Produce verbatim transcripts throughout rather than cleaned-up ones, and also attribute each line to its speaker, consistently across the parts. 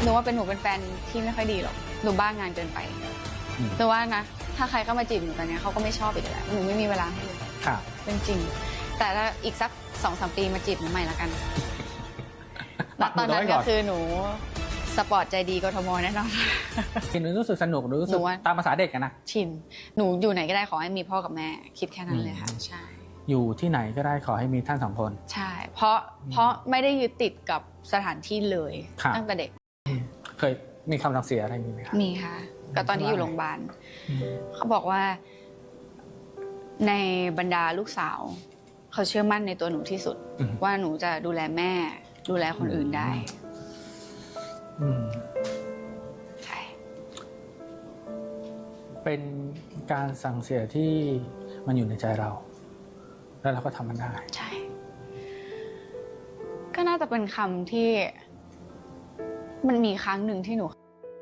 Speaker 1: หนูว่าเป็นหนูเป็นแฟนที่ไม่ค่อยดีหรอกหนูบ้างานเกินไปหนูว่านะถ้าใครเข้ามาจีบหนูตอนนี้เขาก็ไม่ชอบอีกแล้วหนูไม่มีเวลาให้เลยเป็นจริงแต่ถ้าอีกสักสองสามปีมาจีบหนูใหม่ละกันตอนนั้นก็คือหนูสปอร์ตใจดีกทมแน่นอน
Speaker 2: หนูรู้สึกสนุกหนูรู้สึกตามภาษาเด็กกันนะ
Speaker 1: ชินหนูอยู่ไหนก็ได้ขอให้มีพ่อกับแม่คิดแค่นั้นเลยค่ะใช่
Speaker 2: อยู่ที่ไหนก็ได้ขอให้มีท่านสองคน
Speaker 1: ใช่เพราะเพราะไม่ได้ยึดติดกับสถานที่เลยตั้งแต่เด็ก
Speaker 2: เคยมีคำสั่งเสียอะไรมีไหมคะ
Speaker 1: มีค่ะก็ตอนที่อยู่โรงพยาบาลเขาบอกว่าในบรรดาลูกสาวเขาเชื่อมั่นในตัวหนูที่สุดว่าหนูจะดูแลแม่ดูแลคนอื่นได้ใช่
Speaker 2: เป็นการสั่งเสียที่มันอยู่ในใจเราแล้วเราก็ทำมันได้
Speaker 1: ใช่ก็น่าจะเป็นคำที่มันมีครั้งหนึ่งที่หนู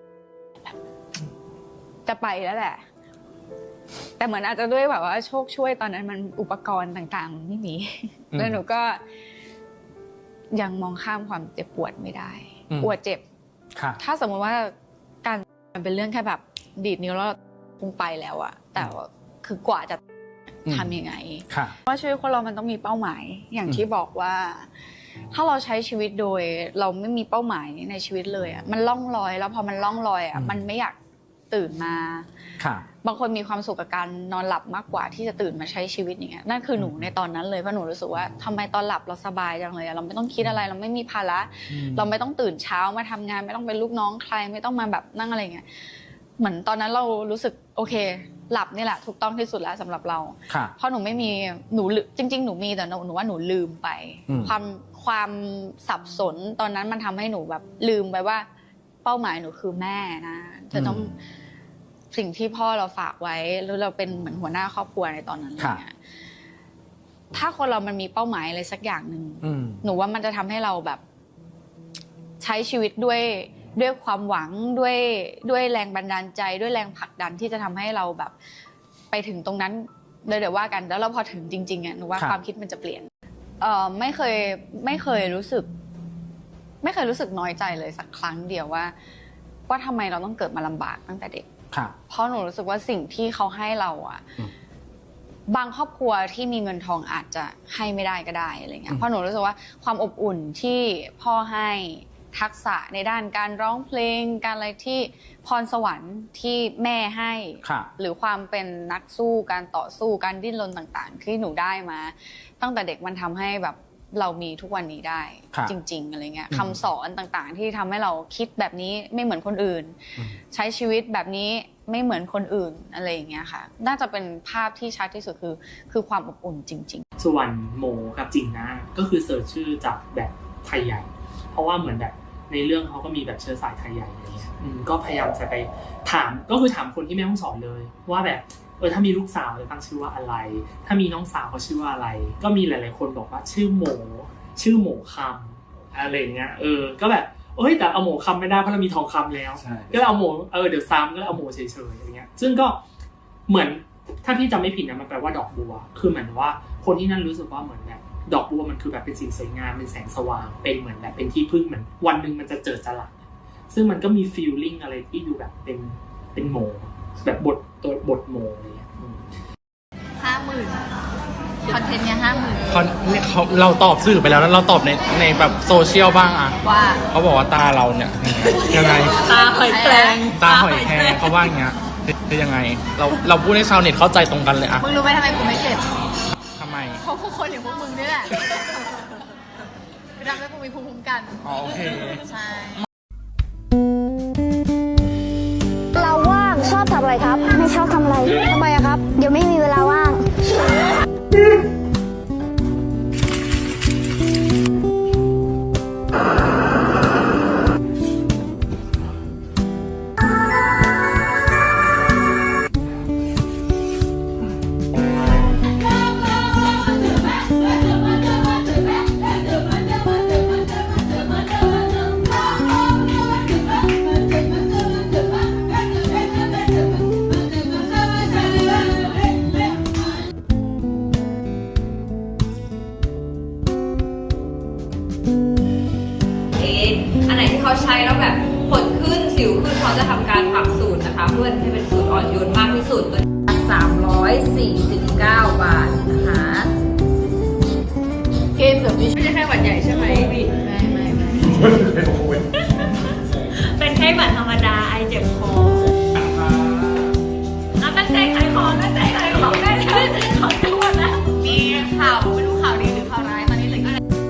Speaker 1: จะไปแล้วแหละแต่เหมือนอาจจะด้วยแบบว่าโชคช่วยตอนนั้นมันอุปกรณ์ต่างๆมันไม่มีแล้วหนูก็ยังมองข้ามความเจ็บปวดไม่ได้ปวดเจ็บถ้าสมมติว่าการมันเป็นเรื่องแค่แบบดีดนิ้วแล้วคงไปแล้วอะแต่คือกว่าจะทำยังไงว่าชีวิตคนเรามันต้องมีเป้าหมายอย่างที่บอกว่าถ้าเราใช้ชีวิตโดยเราไม่มีเป้าหมายในชีวิตเลยอะมันล่องลอยแล้วพอมันล่องลอยอะมันไม่อยากตื่นมาบางคนมีความสุขกับการนอนหลับมากกว่าที่จะตื่นมาใช้ชีวิตอย่างเงี้ยนั่นคือหนูในตอนนั้นเลยเพราะหนูรู้สึกว่าทำไมตอนหลับเราสบายจังเลยเราไม่ต้องคิดอะไรเราไม่มีภาระเราไม่ต้องตื่นเช้ามาทำงานไม่ต้องเป็นลูกน้องใครไม่ต้องมาแบบนั่งอะไรเงี้ยเหมือนตอนนั้นเรารู้สึกโอเคหลับนี่แหละถูกต้องที่สุดแล้วสำหรับเราเพราะหนูไม่มีหนูจริงๆหนูมีแต่หนูว่าหนูลืมไปความความสับสนตอนนั้นมันทำให้หนูแบบลืมไปว่าเป้าหมายหนูคือแม่นะเธอต้องสิ่งที่พ่อเราฝากไว้แล้วเราเป็นเหมือนหัวหน้าครอบครัวในตอนนั้นเนี่ยถ้าคนเรามันมีเป้าหมายอะไรสักอย่างหนึ่งหนูว่ามันจะทำให้เราแบบใช้ชีวิตด้วยด้วยความหวังด้วยด้วยแรงบันดาลใจด้วยแรงผลักดันที่จะทำให้เราแบบไปถึงตรงนั้นเลยเดี๋ยวว่ากันแล้วเราพอถึงจริงๆอ่ะหนูว่าความคิดมันจะเปลี่ยนเอ่อไม่เคยไม่เคยรู้สึกไม่เคยรู้สึกน้อยใจเลยสักครั้งเดียวว่าว่าทำไมเราต้องเกิดมาลำบากตั้งแต่เด็กเพราะหนูรู้สึกว่าสิ่งที่เขาให้เราอ่ะบางครอบครัวที่มีเงินทองอาจจะให้ไม่ได้ก็ได้อะไรเงี้ยเพราะหนูรู้สึกว่าความอบอุ่นที่พ่อให้ทักษะในด้านการร้องเพลงการอะไรที่พรสวรรค์ที่แม่ให้หรือความเป็นนักสู้การต่อสู้การดิ้นรนต่างๆที่หนูได้มาตั้งแต่เด็กมันทำให้แบบเรามีทุกวันนี้ได้จริงๆอะไรเงี้ยคำสอนต่างๆที่ทำให้เราคิดแบบนี้ไม่เหมือนคนอื่นใช้ชีวิตแบบนี้ไม่เหมือนคนอื่นอะไรอย่างเงี้ยค่ะน่าจะเป็นภาพที่ชัดที่สุดคือคือความอบอุ่นจริง
Speaker 3: ๆส่วนโมกับจิงนะก็คือเสิร์ชชื่อจากแบบไทยใหญ่เพราะว่าเหมือนแบบในเรื่องเขาก็มีแบบเชื้อสายไทยใหญ่อะไรเงี้ยก็พยายามจะไปถามก็คือถามคนที่แม่ห้องสอนเลยว่าแบบเออถ้ามีลูกสาวจะตั้งชื่อว่าอะไรถ้ามีน้องสาวเขาชื่อว่าอะไรก็มีหลายๆคนบอกว่าชื่อโมชื่อโมคำอะไรเงี้ยเออก็แบบเอ้ยแต่เอาโมคำไม่ได้เพราะเรามีทองคำแล้วก็เอาโมเออเดี๋ยวซ้ำก็เอาโมเฉยๆอะไรเงี้ยซึ่งก็เหมือนถ้าพี่จำไม่ผิดนะมันแปลว่าดอกบัวคือเหมือนว่าคนที่นั่นรู้สึกว่าเหมือนแบบดอกบัวมันคือแบบเป็นสิ่งสวยงามเป็นแสงสว่างเป็นเหมือนแบบเป็นที่พึ่งเหมือนวันหนึ่งมันจะเจิดจรัสซึ่งมันก็มีฟีลลิ่งอะไรที่ดูแบบเป็นเป็นโมแบบบทตัวบทโมอะไรเงี้ย
Speaker 1: ห้าหมื่นคอนเทนต์เนี่ยห้าหมื่น
Speaker 2: เขาเราตอบสื่อไปแล้วแล้วเราตอบในในแบบโซเชียลบ้างอ่ะ
Speaker 1: ว่า
Speaker 2: เขาบอกว่าตาเราเนี่ยยังไง
Speaker 1: ตาหอยแครง
Speaker 2: ตาหอยแครงเขาว่าอย่างเงี้ยคือยังไงเราเราพูดให้ชาวเน็ตเข้าใจตรงกันเลยอ่ะ
Speaker 1: มึงรู้ไหมทำไมกูไม่เก็บ
Speaker 2: ทำไม
Speaker 1: เพราะพวกคนอย่างพวกมึงนี่แหละทำให้กูมีภูมิคุ้มกัน
Speaker 2: อ๋อโอเค
Speaker 1: ใช่
Speaker 4: เราว่างชอบทำอะไรครับไม่ชอบทำอะไรทำไมอะครับเดี๋ยวไม่มีเวลาว่าง
Speaker 1: อันไหนที่เขาใช้แล้วแบบผล
Speaker 5: วขึ้นเขาจะทำการปรับสูตรนะคะ เพื่อให้เป็นสูตรอ่อนโยนมากที่สุดตัวสามร้อยสี่สิบเก้าบาทนะคะเกมเกือบไม่ใช่แค่หวัดใหญ่ใช่ไหมไม่ไม่ไม่เป็นแค่หวัดธรรมดาไอเจ็บคอเอาตั้งใจขายของตั้งใจขายของได้เลยขอโทษนะมีข่าวไม่รู้ข่าวดีหรือข่าวร้ายตอนนี้เลย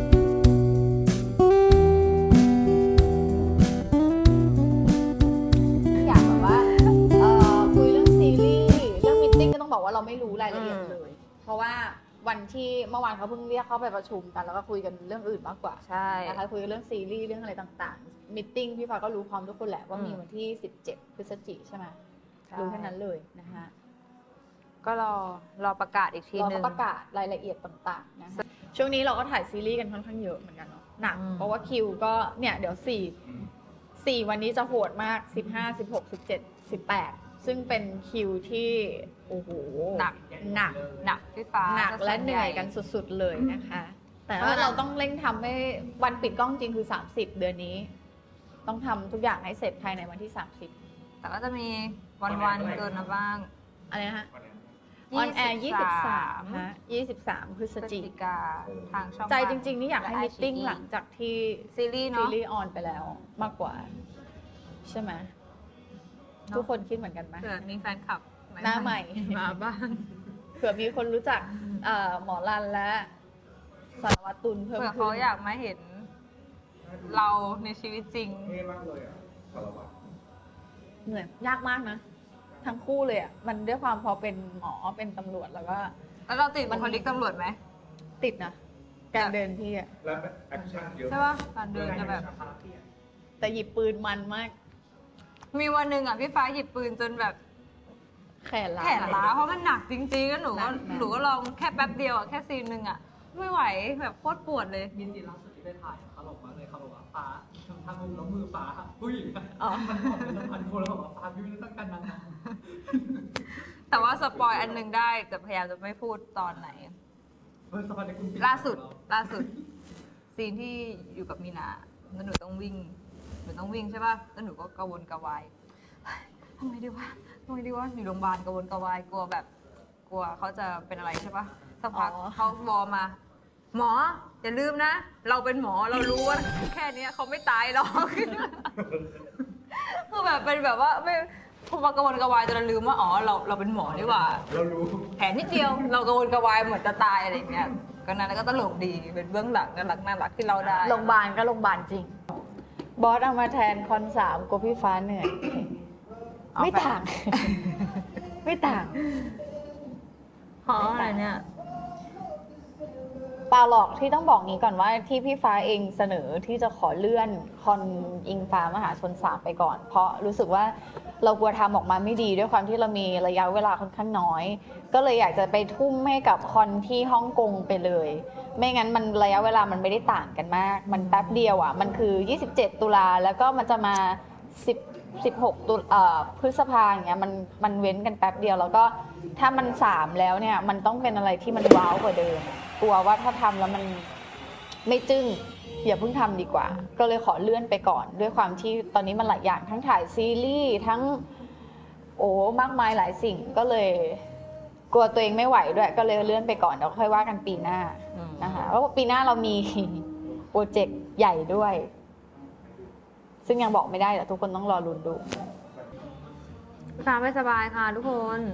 Speaker 6: อยากแบบว่าเอ่อคุยเรื่องซีรีส์เรื่องมิทติ้งก็ต้องบอกว่าเราไม่รู้รายละเอียดเลย เพราะว่าวันที่เมื่อวานเขาเพิ่งเรียกเข้าไปประชุมกันแล้วก็คุยกันเรื่องอื่นมากกว่า
Speaker 5: ใช่
Speaker 6: นะคะคุยกันเรื่องซีรีส์เรื่องอะไรต่างๆมิทติ้งพี่ฟ้าก็รู้พร้อมทุกคนแหละว่ามีวันที่สิบเจ็ดพฤศจิกายนใช่ไหมรู้แค่นั้นเลยนะคะ
Speaker 5: ก็รอรอประกาศอีกที
Speaker 6: เรา
Speaker 5: นึ
Speaker 6: ก็
Speaker 5: ง
Speaker 6: ประกาศรายละเอียดต่างๆนะคะช่วงนี้เราก็ถ่ายซีรีส์กันค่อนข้างเยอะเหมือนกันเนาะหนัก
Speaker 5: อืม
Speaker 6: เพราะว่าคิวก็เนี่ยเดี๋ยวสี่สี่วันนี้จะโหดมากสิบห้า สิบหก สิบเจ็ด สิบแปดซึ่งเป็นคิวที่โอ้โห
Speaker 5: หนัก
Speaker 6: หนัก
Speaker 5: หนักพี่ฟ้า
Speaker 6: หนักและ
Speaker 5: ส่
Speaker 6: เหนื่อยกันสุดๆเลยนะคะ แต่ว่า
Speaker 5: เพราะฉะนั้น
Speaker 6: เราต้องเร่งทำให้วันปิดกล้องจริงคือสามสิบเดือนนี้ ต้องทำทุกอย่างให้เสร็จภายในวันที่สามสิบ
Speaker 5: แต่ก็จะมีวันๆเกินมาบ้าง
Speaker 6: อะไรนะฮะออนแอร์ยี่สิบสามฮะยี่สิบสามพฤศ
Speaker 5: พฤศ
Speaker 6: จิ
Speaker 5: จิ
Speaker 6: ก
Speaker 5: กาทางช่อง
Speaker 6: ใจจริงๆนี่อยากให้
Speaker 5: และ
Speaker 6: มิทติ้ง
Speaker 5: ไอชีอี
Speaker 6: หลังจากที่
Speaker 5: ซีรีส์
Speaker 6: ซี
Speaker 5: เนาะ
Speaker 6: รีส์ออนไปแล้วมากกว่า ใช่ไหม
Speaker 5: เนอะ
Speaker 6: ทุกคนคิดเหมือนกันไหม
Speaker 5: เผื่อมีแฟนคลับ
Speaker 6: หน้าใหม่
Speaker 5: มาบ้าง
Speaker 6: เผื่อมีคนรู้จักเอ่อหมอรันและสารวัตรตุลเพิ่ม
Speaker 5: เผื่อ
Speaker 6: ขึ้
Speaker 5: เขา
Speaker 6: น
Speaker 5: อยากมาเห็นเราในชีวิตจริง
Speaker 6: เหนื่อยยากมากนะ ทั้งคู่เลยอ่ะมันด้วยความพอเป็นหมอเป็นตำรวจแล้วก็
Speaker 5: แล้วเราติดบุคลิกตำรวจไหม
Speaker 6: ติดนะการเดินพี่อ่ะ
Speaker 7: แล้วแอคชั่นเยอะ
Speaker 5: ใช่ป่ะการเดินจะแบบ
Speaker 6: แต่หยิบปืนมันมาก
Speaker 5: มีวันหนึ่งอ่ะพี่ฟ้าหยิบปืนจนแบบ
Speaker 6: แขนล้า
Speaker 5: แขนล้าเพราะมันหนักจริงๆแล้วหนูก็
Speaker 6: หนักหนัก
Speaker 5: หนูก็ลองแค่แป๊บเดียวอ่ะแค่ซีนหนึ่งอ่ะไม่ไหวแบบโคตรปวดเลย
Speaker 8: มีซีนล่าสุดที่ไปถ่ายเขาบอกมาเลยเขาบอกว่าฟ้าทำทำมือแล้วมือฟ้าผู้หญิงอะ
Speaker 6: อ๋อ
Speaker 8: มันบอกเป็นสัมพันธ์คนแล้วบอกว่าฟ้าพี่ไม่ได้ต้องการนางงาม
Speaker 5: แต่ว่าสปอยอันหนึงได้แต่พยายามจะไม่พูดตอนไหน
Speaker 8: เออสัมพันธ์ในคุณปิ
Speaker 5: ล่าสุดล่าสุด ซีนที่อยู่กับมีนาแล้วหนูต้องวิ่งหนูต้องวิ่งใช่ป่ะแล้วหนูก็กระวนกระวายเฮ้ยทำไงดีวะทำไงดีวะอยู่โรงพยาบาลกระวนกระวายกลัวแบบ กลัวเขาจะเป็นอะไรใช่ป่ะสักพัก
Speaker 6: อ๋อ
Speaker 5: เขาวอมา หมออย่าลืมนะ เราเป็นหมอเรารู้ว่าแค่เนี้ยเขาไม่ตายหรอก คือแบบเป็นแบบว่าไม่พอมากระวนกระวายจนเราลืมว่าอ๋อเราเราเป็นหมอนี่หว่า
Speaker 7: เรารู้
Speaker 5: แผลนิดเดียว เรากระวนกระวายเหมือนจะตายอะไรอย่างเงี้ยก็นั้นแล้วก็ตลกดีเป็นเบื้องหลังน่ารักน่ารักที่เราได้
Speaker 6: โรงพยาบาลก็โรงพยาบาลจริง บอสเอามาแทนคอนสามกลัวพี่ฟ้าเหนื่อย
Speaker 5: เอา
Speaker 6: ไม่
Speaker 5: ไป
Speaker 6: ต่าง ไม่ต่าง
Speaker 5: เพราะอะไรเนี่ย
Speaker 6: เปล่าหรอกที่ต้องบอกงี้ก่อนว่าที่พี่ฟ้าเองเสนอที่จะขอเลื่อนคอนอิงฟ้ามหาชนสามไปก่อน เพราะรู้สึกว่าเรากลัวทำออกมาไม่ดีด้วยความที่เรามีระยะเวลาค่อนข้างน้อย ก็เลยอยากจะไปทุ่มให้กับคอนที่ฮ่องกงไปเลย ไม่งั้นมันระยะเวลามันไม่ได้ต่างกันมาก มันแป๊บเดียวอ่ะมันคือยี่สิบเจ็ดตุลาแล้วก็มันจะมา10 16ตุลาพฤษภาอย่างเงี้ยมันมันเว้นกันแป๊บเดียวแล้วก็ถ้ามันสามแล้วเนี่ยมันต้องเป็นอะไรที่มันว้าวกว่าเดิม กลัวว่าถ้าทำแล้วมันไม่จึ้งอย่าเพิ่งทำดีกว่า ก็เลยขอเลื่อนไปก่อน ด้วยความที่ตอนนี้มันหลายอย่างทั้งถ่ายซีรีส์ทั้งโอ้มากมายหลายสิ่งก็เลยกลัวตัวเองไม่ไหวด้วย ก็เลยเลื่อนไปก่อนเดี๋ยวค่อยว่ากันปีหน้า
Speaker 5: อืม
Speaker 6: นะคะเพราะว่าปีหน้าเรามี โปรเจกต์ใหญ่ด้วย ซึ่งยังบอกไม่ได้แต่ทุกคนต้องรอลุ้นดู
Speaker 5: ฟ้าไม่สบายค่ะทุกคน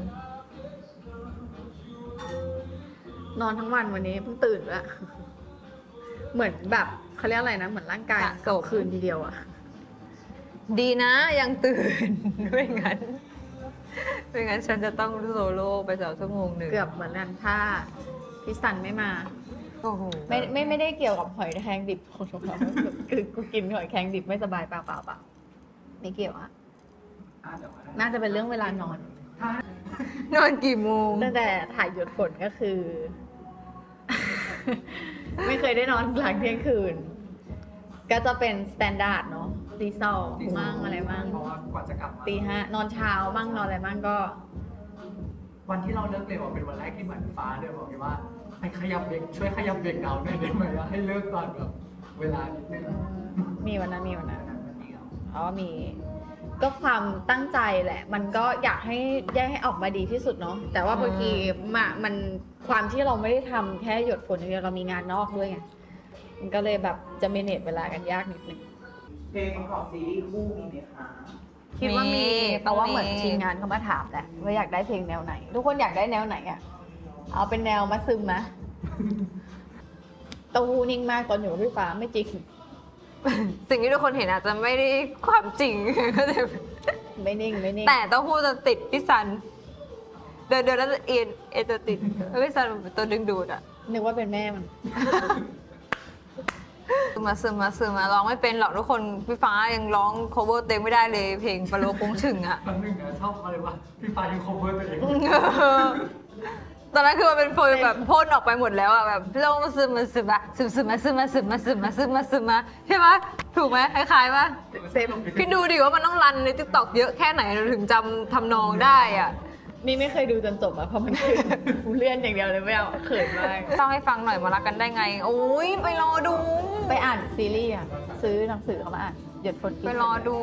Speaker 6: นอนทั้งวันวันนี้เพิ่งตื่นแล้ว เหมือนแบบเขาเรียกอะไรนะ เหมือนร่างกาย
Speaker 5: สะสม
Speaker 6: คืนทีเดียวอะ
Speaker 5: ดีนะยังตื่น ไม่งั้นไม่งั้นฉันจะต้องโซโล่ไปสองชั่วโมงหนึ่ง
Speaker 6: เกือบเหมือนกันถ้าพี่สันไม่มา
Speaker 5: โอ้โห
Speaker 6: ไม่ไม่ไม่ได้เกี่ยวกับหอยแครงดิบของเราคือกูกินหอยแครงดิบไม่สบายเปล่าเปล่าเปล่าไม่เกี่ยวอะน่าจะเป็นเรื่องเวลานอน
Speaker 5: นอนกี่โมง
Speaker 6: ตั้งแต่ถ่ายหยดฝนก็คือ ไม่เคยได้นอนหลังเที่ยงคืน ก็จะเป็นสแตนดาร์ดเนาะตีสองมั่งอะไรมั่ง
Speaker 8: เพราะว่ากว่าจะกลับมา
Speaker 6: ตีห้านอนเช้ามั่งนอนอะไรมั่งก็
Speaker 8: วันที่เราเลิกเร็วอะเป็นวันแรกที่เหมือนฟ้าเดินบอกเลยว่าให้ขยับเบรกช่วยขยับเบรกเราหน่อยได้ไหมว่าให้เลิกก่อนแบบเวลานิดนึง
Speaker 6: มีวันนั้นมีวันนั้น
Speaker 8: วันเดียว
Speaker 6: อ๋อมีก็ความตั้งใจแหละ มันก็อยากให้แยกให้ออกมาดีที่สุดเนาะแต่ว่าบางทีมามันความที่เราไม่ได้ทำแค่หยดฝนอย่างเดียวเรามีงานนอกด้วยไงมันก็เลยแบบจะเมเนจเวลากันยากนิดนึง
Speaker 7: เพลงประกอบซีรีส์คู่มีไหมคะ
Speaker 6: คิดว่ามี
Speaker 5: มี
Speaker 6: แต่ว่าเหมือน
Speaker 5: มี
Speaker 6: ทีมงานเขามาถามแหละว่าอยากได้เพลงแนวไหน ทุกคนอยากได้แนวไหนอ่ะเอาเป็นแนวมาซึมมะเต้าหู้นิ่งมากตอนอยู่กับพี่ฟ้าไม่จริง
Speaker 5: สิ่งที่ทุกคนเห็นอาจจะไม่ได้ความจริง ก็เลย
Speaker 6: ไม่นิ่งไม่นิ่ง
Speaker 5: แต่เต้าหู้จะติดพี่ซัน เดินเดินแล้วจะเอ็นเอ็นจะติดแล้วพี่ซันเป็นตัวดึงดูดอะ
Speaker 6: นึกว่าเป็นแม่มัน
Speaker 5: ซึมมาซึมมาซึมมาร้องไม่เป็นหรอกทุกคนพี่ฟ้ายังร้อง cover เต็มไม่ได้เลยเพลงปลาโลกงฉึ่งอะ
Speaker 8: ครั้งหนึ่งนะชอบอะไรวะพี่ฟ้ายัง cover ตัวเอง
Speaker 5: ตอนนั้นคือมันเป็นโฟลแบบพ่นออกไปหมดแล้วอะแบบลงมาซึมมาซึมมาซึมซึมมาซึมมาซึมมาซึมมาซึมมาซึมมาใช่ไหมถูกไหมคล้ายๆปะ
Speaker 6: เต็ม
Speaker 5: คิดดูดิว่ามันต้องรันในทิกตอกเยอะแค่ไหนเราถึงจำทำนองได้อะ
Speaker 6: นี่ไม่เคยดูจนจบอะเพราะมันคือ กูเลื่อนอย่างเดียวเลยไม่เอาเขินมาก
Speaker 5: ต้องให้ฟังหน่อยมารักกันได้ไง โอ้ยไปรอดู
Speaker 6: ไปอ่านซีรีส์อะซื้อหนังสือเขามาอ่านหยดฝนกิน
Speaker 5: ไปรอดู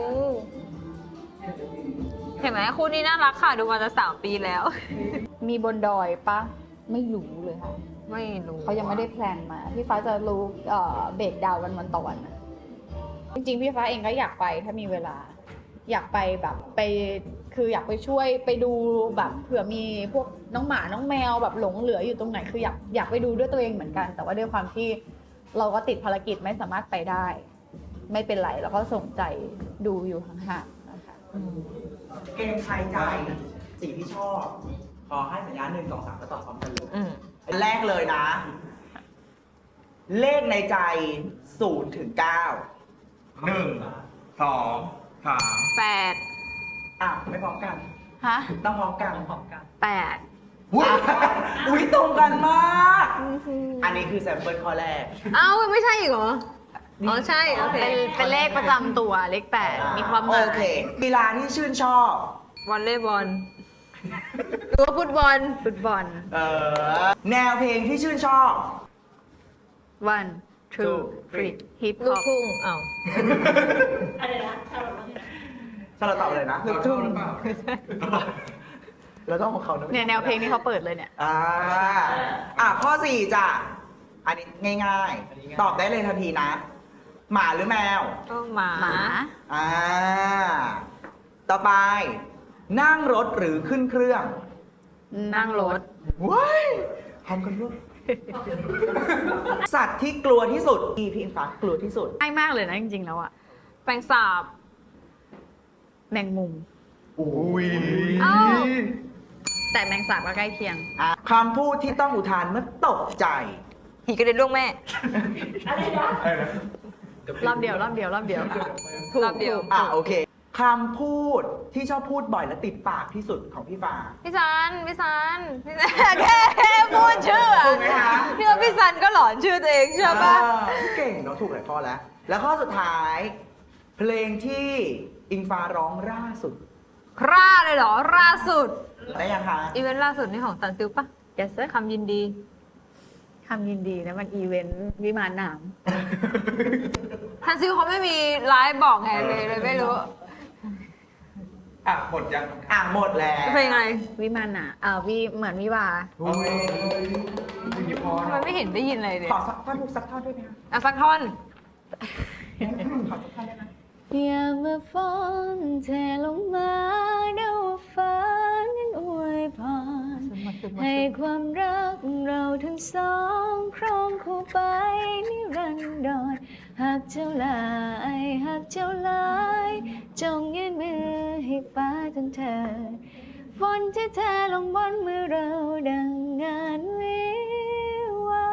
Speaker 5: เห็นไหมคู่นี้น่ารักค่ะดูมาจะสามปีแล้ว
Speaker 6: มีบนดอยปะไม่รู้เลยค่ะ
Speaker 5: ไม่รู้
Speaker 6: เขายังไม่ได้แพลนมา พี่ฟ้าจะรู้เอ่อเบรกดาวน์วันวันต่อวันนะจริงๆ พี่ฟ้าเองก็อยากไปถ้ามีเวลา อยากไปแบบไปคืออยากไปช่วยไปดูแบบเผื่อมีพวกน้องหมาน้องแมวแบบหลงเหลืออยู่ตรงไหนคืออยากอยากไปดูด้วยตัวเองเหมือนกัน แต่ว่าด้วยความที่เราก็ติดภารกิจไม่สามารถไปได้ ไม่เป็นไรเราก็ส่งใจดูอยู่ห่างๆนะคะ
Speaker 7: เกมทายใจสีที่ชอบ ขอให้สัญญาณหนึ่งสองสามแล้วตอบพร้อมกันเลย
Speaker 5: อืม
Speaker 7: อันแรกเลยนะ เลขในใจศูนย์ถึงเก้าหนึ่งสองสาม
Speaker 5: แปด
Speaker 7: อ่ะไม่พร้อมกัน
Speaker 6: ฮะ
Speaker 7: ต้องพร้อมกัน
Speaker 8: พร้อมกัน
Speaker 5: แปด
Speaker 7: อุ๊ยอุ้ยตรงกันมาก อันนี้คือแซมเปิลข้อแรก
Speaker 5: เอ้าไม่ใช่อีกเหรอ อ๋อใช่โอเค
Speaker 6: เป็นเป็นเลขประจำตัวเลขแปดมีความหมาย
Speaker 7: โอเคกีฬาที่ชื่นชอบ
Speaker 5: วอลเลย์บอลหรือว่าฟุตบอล
Speaker 6: ฟุตบอล
Speaker 7: เออแนวเพลงที่ชื่นชอบ
Speaker 6: one two three hip
Speaker 5: ลูก
Speaker 6: hop
Speaker 5: ทุ่งเอ้า
Speaker 7: ถ้าเราตอบเลยนะลูกทุ่งแล้วก็ของเขานะ
Speaker 6: เนี่ยแนวเพลงที่เขาเปิดเลยเนี่ย
Speaker 7: อ่าอ่ะข้อสี่จ้ะ อันนี้ง่ายๆ ตอบได้เลยทันทีนะ หมาหรือแมว
Speaker 5: ก็หมา
Speaker 6: หมา
Speaker 7: อ่า ต่อไป นั่งรถหรือขึ้นเครื่อง
Speaker 6: นั่งรถ
Speaker 7: ว้ายทำกันด้วย สัตว์ที่กลัวที่สุดที่พี่อิงฟ้ากลัวที่สุด
Speaker 6: ง่ายมากเลยนะจริงๆแล้วอะ
Speaker 5: แปลงสาบ
Speaker 6: แมงมุม
Speaker 7: อุ้ย
Speaker 5: เอ้า
Speaker 6: แต่แมงสาบก็ใกล้เคียง
Speaker 7: อ่ะคำพูดที่ต้องอุทานเมื่อตกใจ
Speaker 5: ผีกระเด็นล่วงแม่
Speaker 6: รอบเดียวรอบเดียวรอบเดียวถูก
Speaker 5: รอบเดียว
Speaker 6: ถูก
Speaker 7: อ่ะโอเคคำพูดที่ชอบพูดบ่อยและติดปากที่สุดของพี่ฟ้า
Speaker 5: พี่ซัน พี่ซัน พี่ซัน แค่แค่พูดชื่ออะ
Speaker 7: ถูกไหมคะ
Speaker 5: พี่ว่าพี่ซันก็หลอนชื่อตัวเองใช่ปะ
Speaker 7: อ่าเก่งเนาะถูกหลายข้อแล้ว แล้วข้อสุดท้าย เพลงที่อิงฟ้าร้องล่าสุด
Speaker 5: คร่าเลยเหรอล่าสุด
Speaker 7: ได้ยังคะ
Speaker 5: อีเวนต์ล่าสุดนี่ของตันซิลปะ
Speaker 6: yes sir
Speaker 5: คำยินดี
Speaker 6: คำยินดีนะมันอีเวนต์วิมานหนาม
Speaker 5: ทันซิลเขาไม่มีไลฟ์บอกไงเลยเลยไม่รู้
Speaker 7: อ่ะหมดยัง อ่ะหมดแล้ว
Speaker 5: เพลงอะไร
Speaker 6: วิมานหนาอ่าวิเหมือนวิวา
Speaker 7: โอ้ย
Speaker 5: ทำไมไม่เห็นได้ยินอะไรเลย
Speaker 7: ขอสักท่อนทุกสักท่อนด้วยไหมคะ
Speaker 5: อ่ะสักท่อน
Speaker 7: ขอสักท่อนได้ไหม
Speaker 6: อย่ามาฟ้อนเทลงมาเดาฟ้านั้นอวยพรให้ความรักเราทั้งสองครองคู่ไปนิรันดรหากเจ้าหลายหากเจ้าหลายจงยื่นมือให้ฟ้าจนเธอฝนที่เทลงบนมือเราดังงานวิวา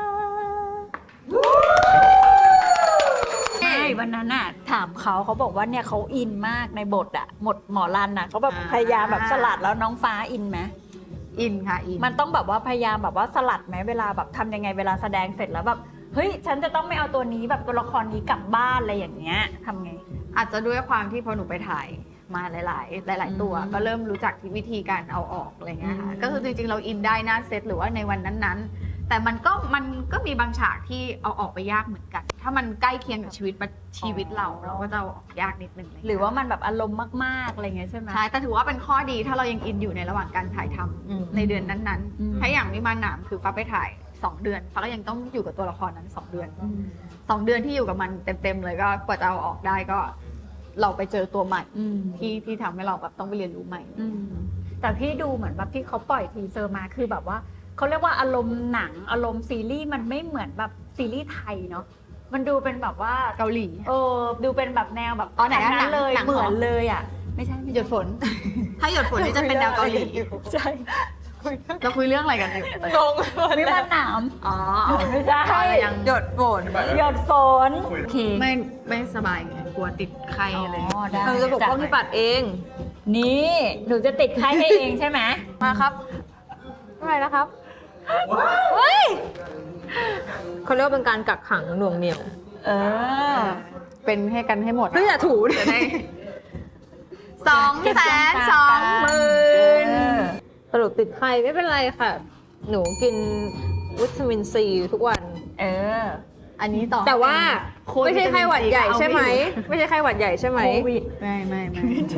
Speaker 9: ใช่วันนั้นน่ะถามเขาเขาบอกว่าเนี่ยเขาอินมากในบทอะหมดหมอรันน่ะเขาแบบ
Speaker 6: อ่า
Speaker 9: พยายามแบบสลัดแล้วน้องฟ้าอินไหม
Speaker 6: อินค่ะอิน
Speaker 9: มันต้องแบบว่าพยายามแบบว่าสลัดไหมเวลาแบบทำยังไงเวลาแสดงเสร็จแล้วแบบเฮ้ยฉันจะต้องไม่เอาตัวนี้แบบตัวละครนี้กลับบ้านอะไรอย่างเงี้ยทำไง
Speaker 6: อาจจะด้วยความที่พอหนูไปถ่ายมาหลาย ๆ หลาย ๆ ตัว
Speaker 9: อืม
Speaker 6: ก็เริ่มรู้จักที่วิธีการเอาออกอะไรเงี้ยค่ะ
Speaker 9: อืม
Speaker 6: ก็คือจริง ๆ เราอินได้หน้าเซตหรือว่าในวันนั้น ๆแต่มันก็มันก็มีบางฉากที่เอาออกไปยากเหมือนกัน ถ้ามันใกล้เคียงกับชีวิตชีวิตเราเราก็จะเอาออกยากนิดนึงเลย
Speaker 9: หรือว่ามันแบบอารมณ์มากๆอะไรเงี้ยใช่ไหม
Speaker 6: ใช่แต่ถือว่าเป็นข้อดีถ้าเรายังอินอยู่ในระหว่างการถ่ายทำ
Speaker 9: อืม
Speaker 6: ในเดือนนั้น
Speaker 9: อืม
Speaker 6: ๆถ้าอย่างวิมานหนามคือฟ้าไปถ่ายสองเดือนฟ้าก็ยังต้องอยู่กับตัวละครนั้นสองเดือนสองเดือนที่อยู่กับมันเต็มๆเลยก็กว่าจะเอาออกได้ก็ เราไปเจอตัวใหม่
Speaker 9: อืม
Speaker 6: ที่ที่ทำให้เราแบบต้องไปเรียนรู้ใหม่
Speaker 9: อืมแต่พี่ดูเหมือนแบบที่เขาปล่อยทีเซอร์มาคือแบบว่าเขาเรียกว่าอารมณ์หนังอารมณ์ซีรีส์มันไม่เหมือนแบบซีรีส์ไทยเนาะมันดูเป็นแบบว่า
Speaker 6: เกาหลี
Speaker 9: เออดูเป็นแบบแนวแบบ
Speaker 6: อ๋อไหนอะ
Speaker 9: ทางนั้นเลย
Speaker 6: หนัง
Speaker 9: เหมือน
Speaker 6: เหรอ
Speaker 9: เลยอ่ะไม่ใช่ไม่
Speaker 6: ห
Speaker 9: ใช่
Speaker 6: ยดฝน ถ้าหยดฝนนี่จะเป็นแนวเกาหลี
Speaker 9: ใช่
Speaker 6: เราคุยเรื่องอะไรกันอยู่
Speaker 9: งงวิมานหนาม
Speaker 6: อ๋อ
Speaker 9: ไม่ใช่
Speaker 6: เรายัง
Speaker 5: หยดฝน
Speaker 9: หยดฝนโอเค
Speaker 6: ไม่ไม่สบายไงกลัวติดไข้อะไร
Speaker 9: อ๋อได้
Speaker 5: เราจะปกป้องพี่ปัดเอง
Speaker 9: นี่หนูจะติดไข้ให้เองใช่ไหม
Speaker 5: มาครับอะไรนะครับเฮ้ยเขาเรียกว่าเป็นการกักขังหน่วงเหนี่ยว
Speaker 9: เออ
Speaker 6: เป็นให้กันให้หมด
Speaker 5: เฮ้ยอย่าถู
Speaker 6: จะได้สองแสนสองหมื่น
Speaker 5: สรุปติดไข้ไม่เป็นไรค่ะ หนูกินวิตามินซีทุกวัน
Speaker 9: เออ
Speaker 6: อันนี้ต่อ
Speaker 5: แต่ว่า
Speaker 6: โค้ด
Speaker 5: ไม่ใช่ไข้หวัดใหญ่ใช่ไหม
Speaker 6: เอาไม่อยู่
Speaker 5: ไม่ใช่ไข้หวัดใหญ่ใช่ไหม
Speaker 9: โควิด
Speaker 6: ไม่ไม่ไม่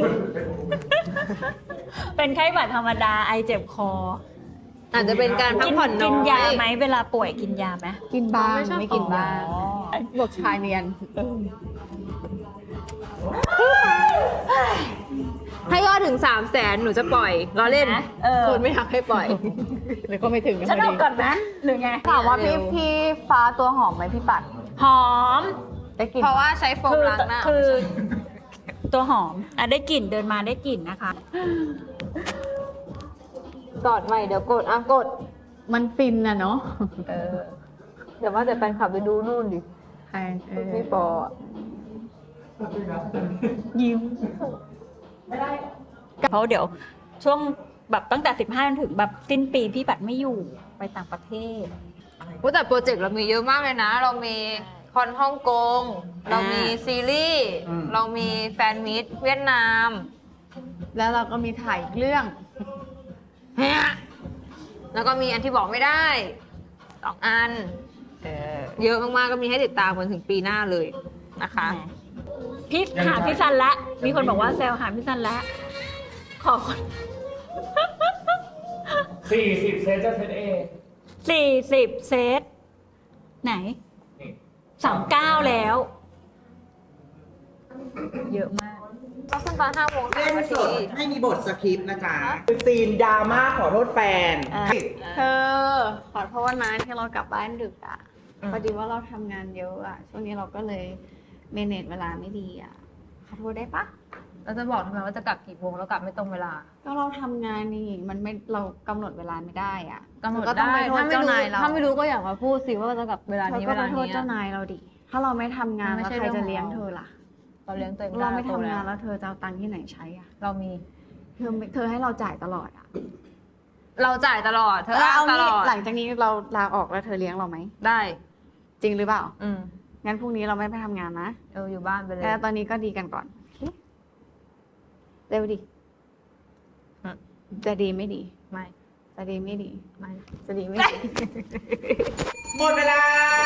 Speaker 9: เป็นไข้หวัดธรรมดาไอเจ็บคอ
Speaker 5: อาจจะเป็นการพักผ่อนน้อย
Speaker 9: กินยาไหมเวลาป่วยกินยาไหม
Speaker 6: กินบ้าง
Speaker 5: ไม่ชอบ
Speaker 6: ไม่กินบ้าง
Speaker 9: อ๋อ
Speaker 6: บอกชายเนียน
Speaker 5: ถ้ายอดถึงสามแสนหนูจะปล่อยรอเล่น
Speaker 9: เออ
Speaker 5: คนไม่อยากให้ปล่อย
Speaker 6: หรือก็ไม่ถึงกัน
Speaker 9: ฉัน
Speaker 6: พอ
Speaker 9: เอา
Speaker 6: ดี
Speaker 9: ก่อนนะหรือไง
Speaker 6: ถามว่าพี่
Speaker 5: เร็ว
Speaker 6: พี่ฟ้าตัวหอมไหมพี่ปัด
Speaker 9: หอม
Speaker 6: ได้กลิน
Speaker 5: เพราะว่าใช้โฟม
Speaker 9: คือ
Speaker 5: ล้างหน้า
Speaker 9: คือ ตัวหอมอ่ะได้กลิ่นเดินมาได้กลิ่นนะคะ
Speaker 5: กอดใหม่เดี๋ยวกดอ่ะกด
Speaker 6: มันฟินอะเนาะ
Speaker 5: เออ เดี๋ยวว่าแต่แฟนคลับไปดูนู่นดิ
Speaker 6: ใช่เออ
Speaker 5: พี่ปออะ
Speaker 9: ยิ้มเพราะเดี๋ยวช่วงแบบตั้งแต่สิบห้าจนถึงแบบสิ้นปีพี่ปัดไม่อยู่ไปต่างประเทศ
Speaker 5: พูดแต่โปรเจกต์เรามีเยอะมากเลยนะ เรามีคอนฮ่องกง เรามีซีรีส์ เรามีแฟนมิตรเวียดนาม
Speaker 6: แล้วเราก็มีถ่ายอีกเรื่อง
Speaker 5: เฮ้ยแล้วก็มีอันที่บอกไม่ได้สองอัน เยอะมากๆก็มีให้ติดตามกันถึงปีหน้าเลยนะคะ
Speaker 9: พี่หาพี่ซันละมีคนบอกว่าแซวหาพี่ซันละขอคน
Speaker 2: สี่สิบเซนจะเซตเอ
Speaker 9: สี่สิบเซตไหนสามเก้าแล้ว เยอะมาก
Speaker 5: ก็ขึ้นตอนห้าโมง
Speaker 7: เล่น
Speaker 5: นา
Speaker 7: ส
Speaker 5: ที
Speaker 7: ดให้มีบทสคริปต์นะจ๊ะคือซีนดราม่าขอโทษแฟน
Speaker 6: เธอขอโทษนะที่เรากลับบ้านดึกอ่ะพอดีว่าเราทำงานเยอะอ่ะช่วงนี้เราก็เลยเมเนจเวลาไม่ดีอ่ะขอโทษได้ปะ
Speaker 5: เราจะบอกทำไมว่าจะกลับกี่โมงแล้วกลับไม่ตรงเวลา
Speaker 6: ก็เราทำงานนี่มันไม่เรากำหนดเวลาไม่ได้อ่ะ
Speaker 5: กำหนด
Speaker 6: เธอก็ต้อง
Speaker 5: ได้
Speaker 6: ไปโทษ
Speaker 5: ถ้าไม่
Speaker 6: เจ้า
Speaker 5: รู้
Speaker 6: นายเรา
Speaker 5: ถ้าไม่รู้ก็อยากมาพูดสิว่าจะกลับเวลา
Speaker 6: เธอ
Speaker 5: นี้
Speaker 6: ก็
Speaker 5: เว
Speaker 6: ไป
Speaker 5: ลา
Speaker 6: โทษ
Speaker 5: นี้
Speaker 6: เจ้านายเราดิถ้าเราไม่ทำงาน
Speaker 5: มันไม่
Speaker 6: แล้ว
Speaker 5: ใช่
Speaker 6: ใครจะ
Speaker 5: เรื่องของ
Speaker 6: เลี้ยง
Speaker 5: เรา
Speaker 6: เธอล่ะ
Speaker 5: เราเลี้ยงตัวเองได้
Speaker 6: เราไม่ทำงาน
Speaker 5: โต
Speaker 6: แล้วเธอจะเอาตังค์ที่ไหนใช้อ่ะ
Speaker 5: เรามี
Speaker 6: เธอไม่เธอให้เราจ่ายตลอดอ่ะ
Speaker 5: เราจ่ายตลอด เธอ
Speaker 6: แล้วเอา
Speaker 5: ต
Speaker 6: งี้
Speaker 5: ลอด
Speaker 6: หลังจากนี้เราลาออกแล้วเธอเลี้ยงเราไหม
Speaker 5: ได้
Speaker 6: จริงหรือเปล่า
Speaker 5: อืม
Speaker 6: งั้นพรุ่งนี้เราไม่ไปทำงานนะ
Speaker 5: เอออยู่บ้านไปเลย
Speaker 6: แต่ตอนนี้ก็ดีกันก่อนโอเคเร็วดิ
Speaker 5: อืม
Speaker 6: จะดีไม่ดี
Speaker 5: ไม่
Speaker 6: จะดีไม่ดี
Speaker 5: ไม่
Speaker 6: จะดีไม่ดี
Speaker 7: หมดเวลา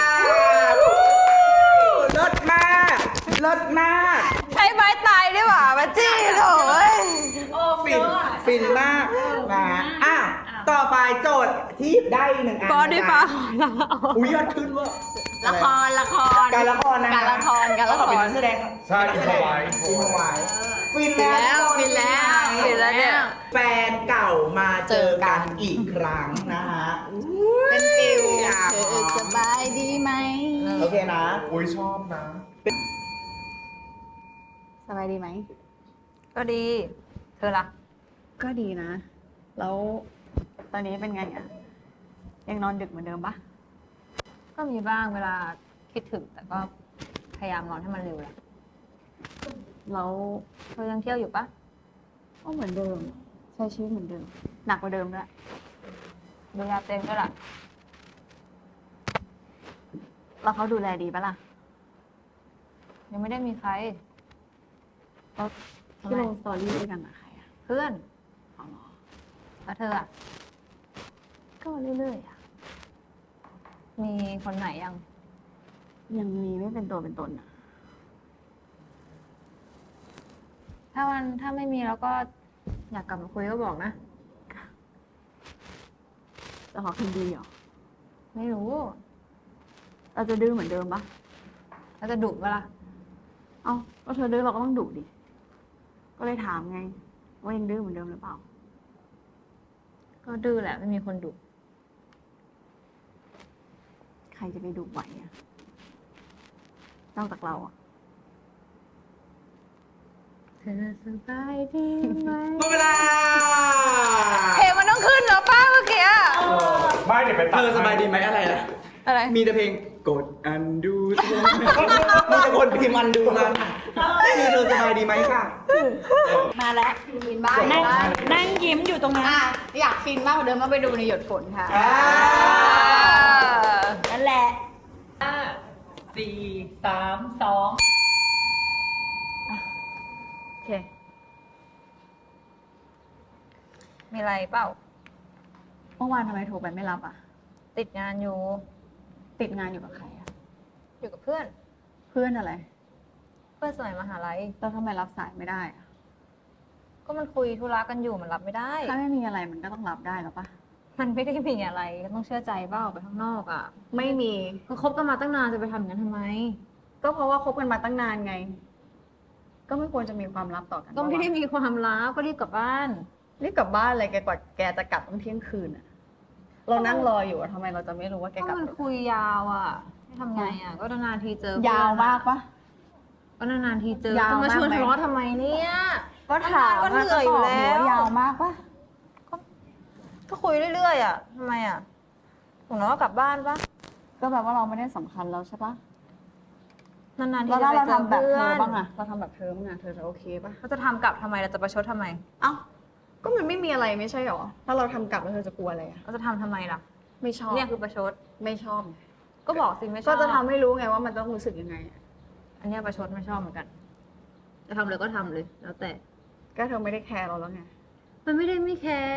Speaker 7: ลดมากลดมาก
Speaker 5: ใช้ไม้ตายดีกว่ามาจี้โถ่เอ้ย
Speaker 7: ฟินฟินมากนะอ่ะต่อไปโจทย์ที่ได้หนึ่งอัน
Speaker 5: ปอดีฟ้า
Speaker 7: นะจ๊ะอุ้ยยอดขึ้นเว่า
Speaker 6: ละครละคร
Speaker 7: การละครนะ
Speaker 6: การละครการละคร
Speaker 7: เขเป็นนักแสดง
Speaker 2: ใช่
Speaker 7: เป็นนักแสดง
Speaker 2: อินพอไว้
Speaker 7: อินพอไว้ฟิน
Speaker 6: ฟินแล้
Speaker 7: แล้ว
Speaker 6: วฟินแล้ว
Speaker 5: ฟินแล้วเนี่ย
Speaker 7: แฟนเก่ามาเจอกันอีกครั้งนะฮะ
Speaker 6: เป็นฟิล
Speaker 7: อยาก
Speaker 6: เธอสบายดีไหม
Speaker 7: โอเคนะ
Speaker 2: อุ้ยชอบนะ
Speaker 6: สบายดีไหม
Speaker 5: ก็ดี เธอล่ะ
Speaker 6: ก็ดีนะ แล้วตอนนี้เป็นไงอ่ะ ยังนอนดึกเหมือนเดิมปะ
Speaker 5: ก็มีบ้างเวลาคิดถึง แต่ก็พยายามนอนให้มันเร็วแหละ
Speaker 6: แล้ว
Speaker 5: เธอยังเที่ยวอยู่ปะ
Speaker 6: ก็เหมือนเดิม ใช้ชีวิตเหมือนเดิม หนักกว่าเดิมด้วย
Speaker 5: ดูแลตัวเองด้วยล่ะ
Speaker 6: แล้วเขาดูแลดีปะล่ะ
Speaker 5: ยังไม่ได้มีใคร
Speaker 6: แล้วที่ลงสตอรี่ด้วยกันอะใครอะ
Speaker 5: เพื่อน
Speaker 6: อ๋อเหรอ
Speaker 5: แล้วเธออ่ะ
Speaker 6: ก็เรื่อยๆอะ
Speaker 5: มีคนไหนยัง
Speaker 6: ยังมีไม่เป็นตัวเป็นตนอะ
Speaker 5: ถ้ามันถ้าไม่มีแล้วก็อยากกลับมาคุยก็บอกนะ
Speaker 6: จะขอคืนดีเหรอ
Speaker 5: ไม่รู้
Speaker 6: เราจะดื้อเหมือนเดิมปะ
Speaker 5: แล้วจะดุเวลา
Speaker 6: เอ้าก็เธอดื้อเราก็ต้องดุดิ ก็เลยถามไง ว่ายังดื้อเหมือนเดิมหรือเปล่า
Speaker 5: ก็ดื้อแหละไม่มีคนดุ
Speaker 6: ใครจะไปดุไหวอะนอกจากเราอะ
Speaker 5: เธอสบายดีไหม
Speaker 7: หมดเวลา
Speaker 5: เพลงมันต้องขึ้นแล้วป้าเมื่อกี้อะ
Speaker 7: ไม่เดี๋ยวไปเธอสบายดีไหมอะไรนะ
Speaker 5: อะไร
Speaker 7: มีแต่เพลงกดอันดูมีแต่คนพิมพ์อันดูมามีเธอสบายดีไหมค่ะ
Speaker 9: มาแล้วฟินบ้างนั่งนั่งยิ้มอยู่ตรงนั้น
Speaker 6: อ่ะอยากฟินมากกว่าเดิมมาไปดูในหยดฝนค่ะ
Speaker 7: อ่า
Speaker 9: นั่นแหละ
Speaker 8: สี่สามสอง
Speaker 6: โอเค
Speaker 5: มีอะไรเปล่า
Speaker 6: เมื่อวานทำไมโทรไปไม่รับอ่ะ
Speaker 5: ติดงานอยู่
Speaker 6: ติดงานอยู่กับใครอ่ะ
Speaker 5: อยู่กับเพื่อน
Speaker 6: เพื่อนอะไร
Speaker 5: เพื่อนสมัยมหาลัย
Speaker 6: แล้วทำไมรับสายไม่ได้อะ
Speaker 5: ก็มันคุยธุระกันอยู่มันรับไม่ได้
Speaker 6: ถ้าไม่มีอะไรมันก็ต้องรับได้หรอปะ
Speaker 5: มันไม่ได้มีอะไรก็ต้องเชื่อใจเปล่าไปข้างนอกอ่ะ
Speaker 6: ไม่มี
Speaker 5: ก็คบกันมาตั้งนานจะไปทำอย่างนั้นทำไม
Speaker 6: ก็เพราะว่าคบกันมาตั้งนานไง ก็ไม่ควรจะมีความลับต่อกัน
Speaker 5: ก็ไม่ได้
Speaker 6: ปะวะ
Speaker 5: มีความลับก็รีบกลับบ้าน
Speaker 6: รีบกลับบ้านเลยแกกว่าแกจะกลับต้องเที่ยงคืนอ่ะ เรานั่งรออยู่อะทำไมเราจะไม่รู้ว่าแก
Speaker 5: ก็
Speaker 6: กลับ
Speaker 5: มันคุยยาวอ่ะให้ทำไงอ่ะ ก็นานๆทีเจอเพื่อน
Speaker 6: ยาวมากปะ
Speaker 5: ก็นานๆทีเจอย
Speaker 6: าว
Speaker 5: จะมาชวน
Speaker 6: มากไหม
Speaker 5: ทะเลาะทำไมเนี่ย
Speaker 6: ก็ถาม
Speaker 5: ก็เหนื่อยอยู่แล้ว
Speaker 6: ก็ตบหัยาวมากปะ
Speaker 5: ก็คุยเรื่อยๆอ่ะทำไมอ่ะผมน้องก็กลับบ้านปะ
Speaker 6: ก็แบบว่าเราไม่ได้สำคัญแล้วใช่ปะ
Speaker 5: นานๆที
Speaker 6: แล้ว
Speaker 5: จะ
Speaker 6: ถ้า
Speaker 5: ไป
Speaker 6: เรา
Speaker 5: เจอ
Speaker 6: ทำแบบ
Speaker 5: เพื่
Speaker 6: เธ
Speaker 5: อ
Speaker 6: อน บ้างอะเราทำแบบเธอบ้างอะเธอจะโอเคปะ
Speaker 5: เราจะทำกลับทำไมเราจะประชดทำไม
Speaker 6: เอ้า ก็มันไม่มีอะไรไม่ใช่หรอ ถ้าเราทำกลับแล้วเธอจะกลัวอะไรอะ
Speaker 5: เราจะทำทำไมล่ะ
Speaker 6: ไม่ชอบ
Speaker 5: เนี่ยคือประชด
Speaker 6: ไม่ชอบ
Speaker 5: ก็บอกสิไม่ชอบ
Speaker 6: ก็จะทำให้รู้ไงว่ามันต้องรู้สึกยังไงอะ
Speaker 5: อันเนี้ยประชดไม่ชอบเหมือนกัน จะทำเลยก็ทำเลย แล้วแต่
Speaker 6: ก็เธอไม่ได้แคร์เราแล้วไง
Speaker 5: มันไม่ได้ไม่แคร์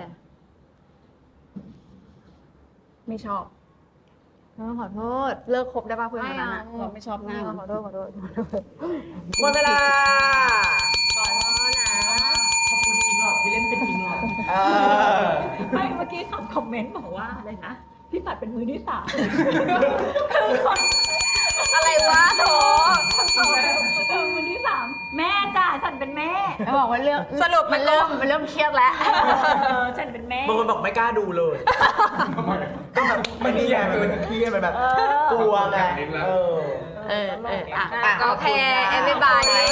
Speaker 6: ไม่ชอบ
Speaker 5: น้องขอโทษ
Speaker 6: เลิกคบได้ป่ะเพื่อนคนนั้นอะ
Speaker 5: ไม่เอา
Speaker 6: เราไม่ชอบหน้า
Speaker 5: ขอโทษขอโทษขอโทษ
Speaker 7: หมดเวลา
Speaker 8: ขอบคุณอิงหลอดที่เล่นเป็นอิงหลอด
Speaker 7: เออ
Speaker 9: ไม่เมื่อกี้คำคอมเมนต์บอกว่าอะไรนะ พี่ปัดเป็นมือที่สาม
Speaker 5: อะไรวะโถ
Speaker 9: เออมือที่สามแม่จ้าฉันเป็นแม่
Speaker 6: แล้วบอกว่าเรื่อง
Speaker 5: สรุปมัน
Speaker 6: เริ่มมันเริ่มเครียดแล้ว
Speaker 9: เออฉันเป็นแม่
Speaker 7: บางคนบอกไม่กล้าดูเลย ก็แบบมันนี่ไงมันเป็นเครียดมันแบบกลัวไงเออ
Speaker 6: เออเอออ่ะ
Speaker 5: ก็โอเค everybody